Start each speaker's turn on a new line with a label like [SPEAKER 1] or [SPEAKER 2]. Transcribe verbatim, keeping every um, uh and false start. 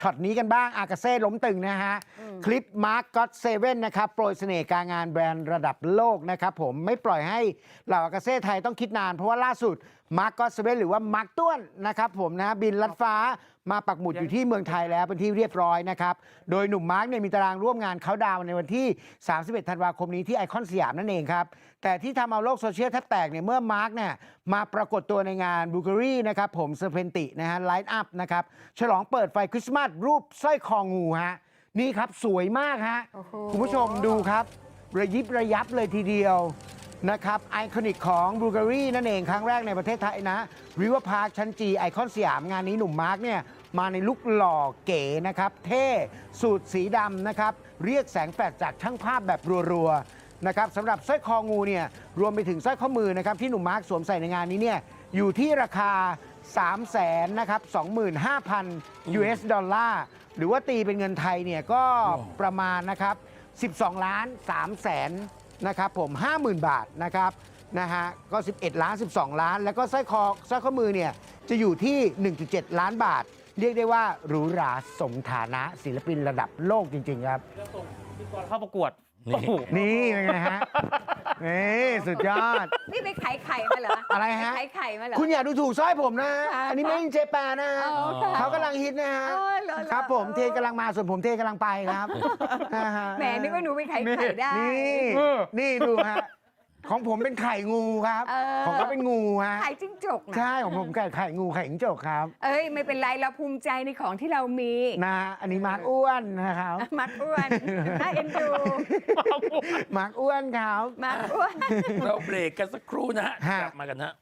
[SPEAKER 1] ช็อตนี้กันบ้างอากาเซ่ล้มตึงนะฮะคลิปมาร์คก็อตเซเว่นนะครับโปรยเสน่ห์การงานแบรนด์ระดับโลกนะครับผมไม่ปล่อยให้เหล่าอากาเซ่ไทยต้องคิดนานเพราะว่าล่าสุดมาร์คก็อตเซเว่นหรือว่ามาร์คต้วนนะครับผมนะบินลัดฟ้ามาปักหมุดอยู่ที่เมืองไทยแล้วเป็นที่เรียบร้อยนะครับโดยหนุ่มมาร์คเนี่ยมีตารางร่วมงานเขาดาวน์ในวันที่สามสิบเอ็ดธันวาคมนี้ที่ไอคอนสยามนั่นเองครับแต่ที่ทำเอาโลกโซเชียลแทบแตกเนี่ยเมื่อมาร์คเนี่ยมาปรากฏตัวในงานบูการีนะครับผมเซอร์เพนตินะฮะไลท์อัพนะครับฉลองเปิดไฟคริสต์มาสรูปสร้อยคองูฮะนี่ครับสวยมากฮะคุณผู้ชมดูครับระยิบระยับเลยทีเดียวนะครับไอคอนิกของบูการีนั่นเองครั้งแรกในประเทศไทยนะริเวอร์พาร์คชั้นจีไอคอนสยามงานนี้หนุ่มมาร์คเนี่ยมาในลุคหล่อเก๋นะครับเท่สูทสีดำนะครับเรียกแสงแฟลชจากช่างภาพแบบรัวๆนะครับสำหรับสร้อยคองูเนี่ยรวมไปถึงสร้อยข้อมือนะครับที่หนุ่มมาร์คสวมใส่ในงานนี้เนี่ยอยู่ที่ราคา สามแสน นะครับ สองหมื่นห้าพัน ยู เอส ดอลลาร์หรือว่าตีเป็นเงินไทยเนี่ยก็ประมาณนะครับสิบสองล้านสามแสนนะครับผม ห้าหมื่น บาทนะครับนะฮะก็สิบเอ็ดล้านสิบสองล้านแล้วก็สร้อยคอสร้อยข้อมือเนี่ยจะอยู่ที่ หนึ่งจุดเจ็ด ล้านบาทเรียกได้ว่าหรูหราสมฐานะศิลปินระดับโลกจริงๆครับ
[SPEAKER 2] เข้าประกวด
[SPEAKER 1] นี่เป็นไงฮะนี่สุดยอด
[SPEAKER 3] นี่ไปขายไข่มาเหรอ
[SPEAKER 1] อะไรฮะ
[SPEAKER 3] ขายไข่มาเหรอ
[SPEAKER 1] คุณอย่าดูถูกสร้อยผมนะอันนี้ไม่ใช่เจแปนนะฮะเขากำลังฮิตนะฮะครับผมเทกำลังมาส่วนผมเทกำลังไปครับ
[SPEAKER 3] แหมนึกว่าหนูไปขายไข่ได้
[SPEAKER 1] นี่นี่ดูฮะของผมเป็นไข่งูครับของเขาเป็นงูฮะ
[SPEAKER 3] ไข่จิ้งจก
[SPEAKER 1] ใช่ของผมไก่ไข่งูไข่จิ้งจกครับ
[SPEAKER 3] เอ้ยไม่เป็นไรเราภูมิใจในของที่เรามี
[SPEAKER 1] นะอันนี้มาร์กอ้วนนะครับ
[SPEAKER 3] มาร์กอ้วนน่าเอ็นดู
[SPEAKER 1] มาร์กอ้วนครับ
[SPEAKER 3] มาร์กอ้วน
[SPEAKER 2] เราเบรกกันสักครู่นะฮะกลับมากันฮะ